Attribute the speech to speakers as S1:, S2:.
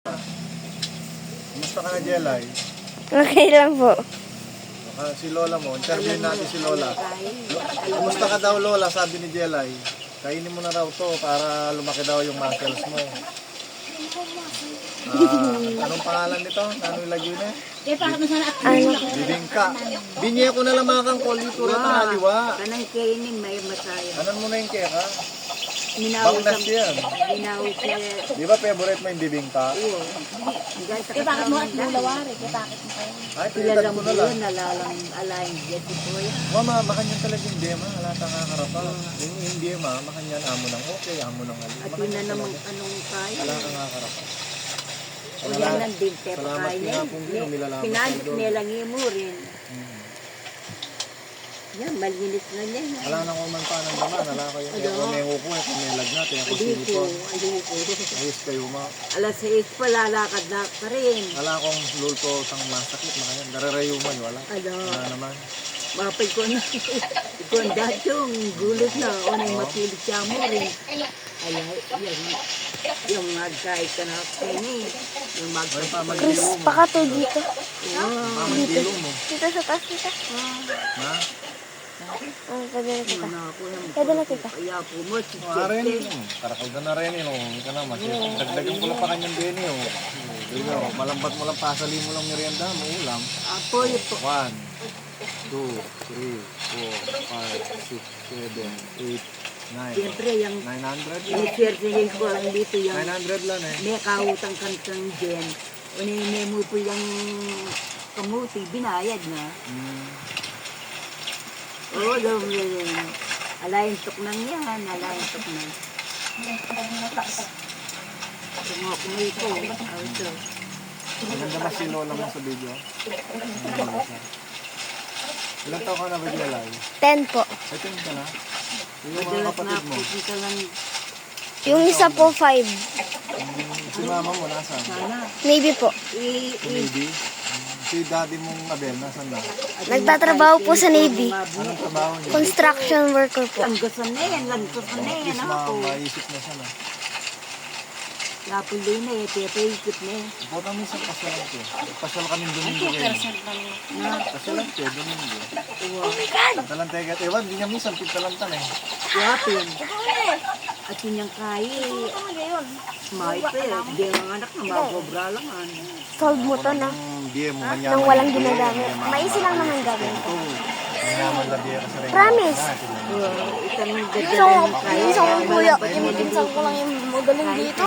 S1: Kumusta ka na, Jelay?
S2: Okay lang po.
S1: Si Lola mo, interviewin natin si Lola. Kumusta ka daw, Lola? Sabi ni Jelay. Kainin mo na raw to para lumaki daw yung muscles mo. Anong pangalan nito? Ano ilagay na? Bibingka. Binye ko na lang mga kang kol dito na tangaliwa.
S3: Kanang kainin may masaya.
S1: Anan mo na yung keka?
S3: Minawag
S1: Banglas yan.
S3: Minawag siya.
S1: Di ba favorite mo yung bibingka?
S3: Oo.
S4: Bakit mo at bulawari? Bakit mo kayo?
S1: Ay,
S3: Sila
S1: pilitan
S3: lang
S1: mo
S3: po
S1: na lang.
S3: yun, nalalang alayin dyan si Kuya.
S1: Mama, makanyan talaga yung dema. Wala tang kakarapa. Yung dema, makanyan amo ng okay, amo ng ali.
S3: At yun na naman anong kaya.
S1: Wala kang kakarapa.
S3: O yan lang din, tepa
S1: Salamat
S3: kaya.
S1: pinapong nilalaman
S3: Pinalit
S1: ko doon.
S3: nilang mo rin. Yan, malinis na niya.
S1: Wala nang umanta ng naman. Wala kayo. Kaya kumeho ko eh. Kumelag natin. Ako
S3: Aliko,
S1: sinipo.
S3: aliko.
S1: Ayos kayo ma.
S3: Alas 6 pa, lalakad na pa rin.
S1: Wala akong lulto sang masakit. Makanyan. Dararayuman. Wala.
S3: Ano,
S1: Wala naman.
S3: mapay ko na. Ikaw ang dati yung gulit na. O nang mapilit siya mo rin. Ay, yung magkait ka na kini. Yung
S1: Ay,
S3: magkait.
S2: Chris,
S1: pamandilo mo.
S2: pakatoy dito.
S1: Pamandilo mo.
S2: Dito sa taas, tita.
S1: Ha?
S2: Pwede na tita.
S3: Ano ako yung
S2: Pwede na tita.
S3: kaya po mo.
S1: Maarin. Karakal ka na rin. Hindi ka naman. Dagdagan ko lang pa kanyang deni. Malambat mo lang. Pasali mo lang merienda mo. Ulam.
S3: Apo, yung po.
S1: 1, 2, 3, 4, 5, 6, 7, 8, 9.
S3: Siyempre, yung
S1: 900?
S3: iniswertihin ko lang dito yung
S1: 900 lang eh.
S3: may kautang kang dyan. Unine mo po yung kamuti, binayad na. Oo, daw yun. Alayin tok nang yan, alayin tok nang. Tungok mo ito. Ito.
S1: Maganda ba si Lola mo sa video? Ilang taon ka na ba, Jelay?
S2: 10 po.
S1: 10 ka na? Yung mga
S3: Madalas na
S1: kapatid mo?
S3: pupunta lang
S2: Yung isa po 5.
S1: Si mama mo, nasaan?
S3: sana.
S2: Maybe po.
S1: Navy? Si daddy mong Abel, nasaan na?
S2: Nagtatrabaho po sa Navy.
S1: Anong trabaho niya?
S2: Construction worker po.
S3: Langgasan na yan, langgasan na yan ako.
S1: Maisip na siya na.
S3: Lapuloy na eh, pepe-ikot na eh.
S1: Puta minsan pasyalan ko. Pasyalan kami Domingo kayo. Pasyalan ko, Domingo. Talantegat. Ewan, di niya minsan pitalantan eh.
S3: Yapin. At yun yung kaya. Smart eh. Hindi ang anak na makobra lang.
S2: Solve mo to na.
S1: Diye mo, manyaman.
S2: Nang walang ginagamit. Maisi lang naman gawin ko.
S1: Manyaman lang diye ka sa rin.
S2: Promise.
S3: Itang
S2: So,
S3: gagawin kaya.
S2: isang kuya, pinipinsan ko lang yung magaling dito.